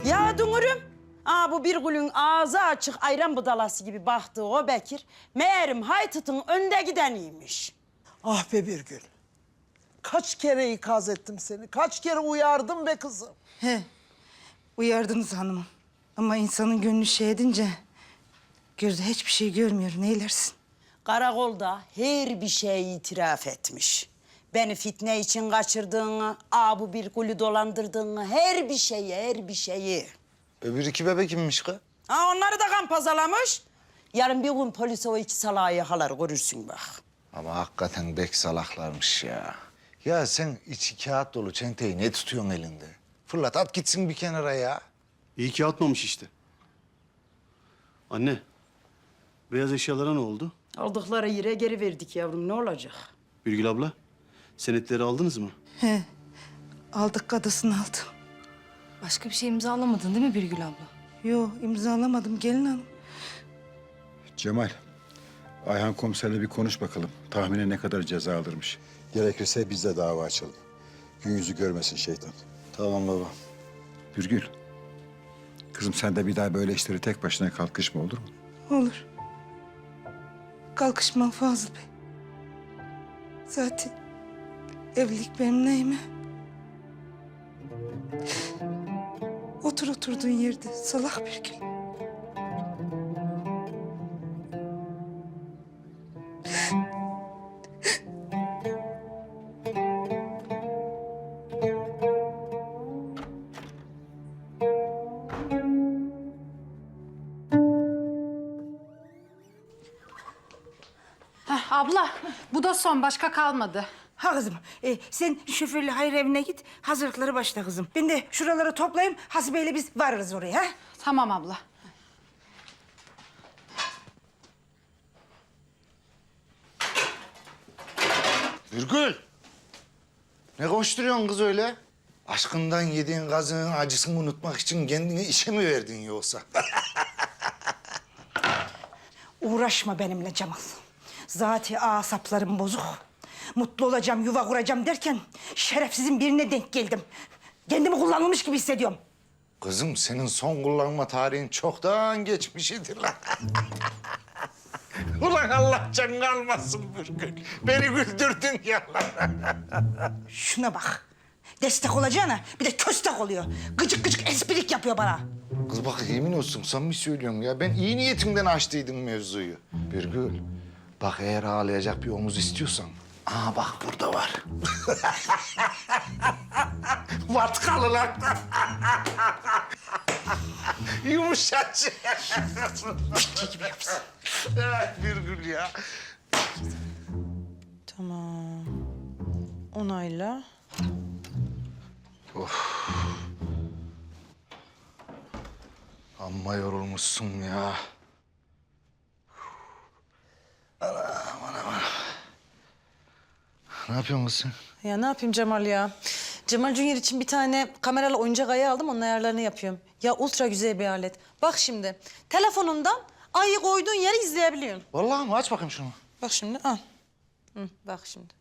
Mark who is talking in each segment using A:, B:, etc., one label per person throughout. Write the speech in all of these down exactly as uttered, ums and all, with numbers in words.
A: Ya Dünürüm, aa bu bir gülün ağzı açık ayran budalası gibi baktığı o Bekir... ...meğerim Haytıt'ın önde gideniymiş.
B: Ah be Birgül. Kaç kere ikaz ettim seni, kaç kere uyardım be kızım.
C: He, uyardınız hanımım. Ama insanın gönlü şey edince... ...gözü hiçbir şey görmüyor, neylersin?
A: Karakolda her bir şeyi itiraf etmiş. Beni fitne için kaçırdığını, aa bu bir gülü dolandırdığını... ...her bir şeyi, her bir şeyi.
D: Öbür iki bebek kimmiş kız?
A: Ha onları da kan pazarlamış. Yarın bir gün polis o iki salağı yakalar, görürsün bak.
D: Ama hakikaten bek salaklarmış ya. Ya sen içi kağıt dolu çenteyi ne tutuyorsun elinde? Fırlat at gitsin bir kenara ya.
E: İyi ki atmamış işte. Anne, beyaz eşyalara ne oldu?
A: Aldıkları yere geri verdik yavrum, ne olacak?
E: Birgül abla, senetleri aldınız mı?
C: He, aldık kadısını aldım.
F: Başka bir şey imzalamadın değil mi Birgül abla?
C: Yo, imzalamadım gelin hanım.
G: Cemal, Ayhan komiserle bir konuş bakalım. Tahminen ne kadar ceza alırmış. Gerekirse biz de dava açalım. Gün yüzü görmesin şeytan.
D: Tamam baba.
G: Birgül, kızım sen de bir daha böyle işleri tek başına kalkışma, olur mu?
C: Olur. Kalkışmam Fazıl Bey. Zaten evlilik benim neyime? Otur oturduğun yerde salak bir gün.
H: Heh, abla, bu da son. Başka kalmadı.
C: Ha kızım, e, sen şoförle hayır evine git, hazırlıkları başla kızım. Ben de şuraları toplayayım, Hasibe'yle biz varırız oraya, ha?
H: Tamam abla.
D: Virgül. Ne koşturuyorsun kız öyle? Aşkından yediğin gazının acısını unutmak için kendini işe mi verdin yoksa?
C: Uğraşma benimle Cemal. Zaten asaplarım bozuk. Mutlu olacağım, yuva kuracağım derken şerefsizin birine denk geldim. Kendimi kullanılmış gibi hissediyorum.
D: Kızım senin son kullanma tarihin çoktan geçmişidir lan. Ulan Allah canını almasın Virgül. Beni güldürdün ya lan.
C: Şuna bak. Destek olacağına bir de köstek oluyor. Gıcık gıcık esprik yapıyor bana.
D: Kız bak yemin olsun samimi söylüyorum ya. Ben iyi niyetimden açtıydım mevzuyu. Virgül, bak eğer ağlayacak bir omuz istiyorsan... Aa bak burada var. Vatkalı lan. Yumuşacık.
C: gibi yapsın.
D: Virgül ya.
B: Tamam. Onayla.
D: Amma yorulmuşsun ya. Anam anam anam. Ne yapıyorsun kız sen?
I: Ya ne yapayım Cemal ya? Cemal Junior için bir tane kameralı oyuncak ayı aldım, onun ayarlarını yapıyorum. Ya ultra güzel bir alet. Bak şimdi, telefonundan ayı koyduğun yeri izleyebiliyorsun.
D: Vallahi mi? Aç bakayım şunu.
I: Bak şimdi, al. Hı, bak şimdi.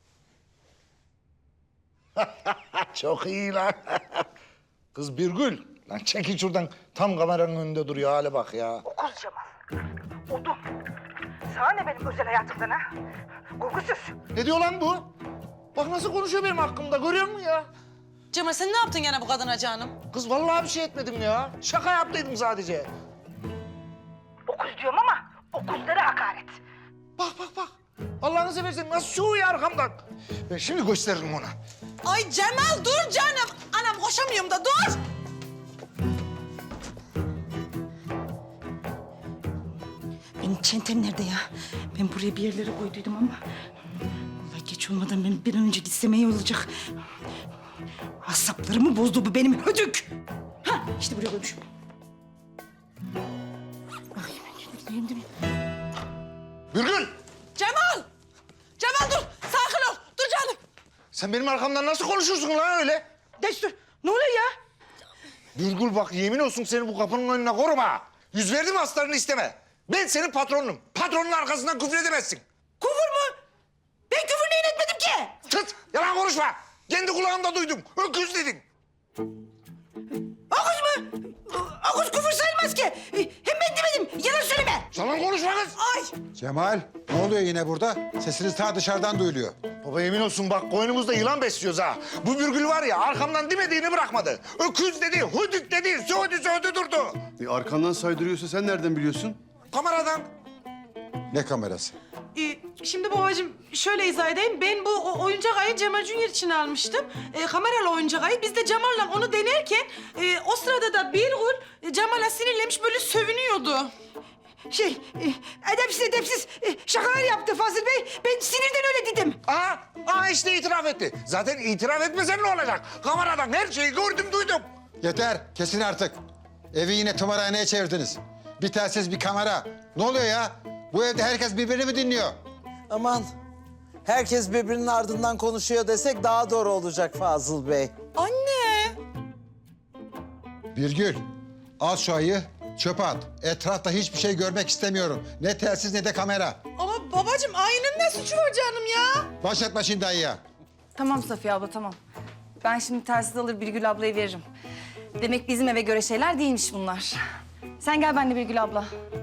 D: Çok iyi lan. Kız Birgül. Lan çekil şuradan. Tam kameranın önünde duruyor. Hale bak ya.
C: Okuz Cemal. Odun. Sana ne benim özel hayatımdan ha? Korkusuz.
D: Ne diyor lan bu? Bak nasıl konuşuyor benim hakkımda. Görüyor musun ya?
I: Cemal sen ne yaptın gene bu kadına canım?
D: Kız vallahi bir şey etmedim ya. Şaka yaptıydım sadece.
C: Okuz diyorum ama okuzlara hakaret.
D: Bak bak bak. Allah'ını seversen nasıl şuuyor arkamdan. Ben şimdi gösteririm ona.
I: Ay Cemal dur canım. Anam koşamıyorum da dur.
C: Benim çentem nerede ya? Ben buraya bir yerlere koyduydum ama... ...vallahi geç olmadan ben bir an önce gitsem iyi olacak. Asaplarımı bozdu bu benim hödük. Ha işte buraya koymuşum. Bakayım ben değil mi?
D: Birgül!
I: Cemal! Cemal dur. Sakin ol. Dur canım.
D: Sen benim arkamdan nasıl konuşursun lan öyle?
C: Destur ne oluyor ya?
D: Birgül bak yemin olsun seni bu kapının önüne koruma. Yüz verdim aslarını isteme. Ben senin patronunum. Patronun arkasından küfür edemezsin.
C: Küfür mü? Ben küfür neyin etmedim ki?
D: Tıt! Yalan konuşma. Kendi kulağımda duydum. Öküz dedin.
C: Öküz mü?
D: Salon konuşma kız.
G: Cemal, ne oluyor yine burada? Sesiniz ta dışarıdan duyuluyor.
D: Baba yemin olsun bak koynumuzda yılan besliyoruz ha. Bu Birgül var ya arkamdan demediğini bırakmadı. Öküz dedi, hudük dedi, söğüdü söğüdü durdu.
E: E, arkandan saydırıyorsa sen nereden biliyorsun?
D: Kameradan.
G: Ne kamerası?
I: Ee, şimdi babacığım şöyle izah edeyim. Ben bu o- oyuncak ayı Cemal Junior için almıştım. Ee, kameralı oyuncak ayı. Biz de Cemal'la onu denerken e, o sırada da Birgül e, Cemal'a sinirlenmiş böyle sövünüyordu.
C: Şey, e, edepsiz edepsiz e, şakalar yaptı Fazıl Bey. Ben sinirden öyle dedim.
D: Aa, aa işte itiraf etti. Zaten itiraf etmesem ne olacak? Kameradan her şeyi gördüm, duydum.
G: Yeter, kesin artık. Evi yine tımarhaneye çevirdiniz. Bir telsiz, bir kamera. Ne oluyor ya? Bu evde herkes birbirini mi dinliyor?
B: Aman herkes birbirinin ardından konuşuyor desek daha doğru olacak Fazıl Bey.
I: Anne!
G: Birgül, al şu ayı, çöpe at. Etrafta hiçbir şey görmek istemiyorum. Ne telsiz ne de kamera.
I: Ama babacığım ayının ne suçu var canım ya?
G: Başlatma şimdi ayıya.
F: Tamam Safiye abla tamam. Ben şimdi telsiz alır Birgül ablaya veririm. Demek bizim eve göre şeyler değilmiş bunlar. Sen gel benimle Birgül abla.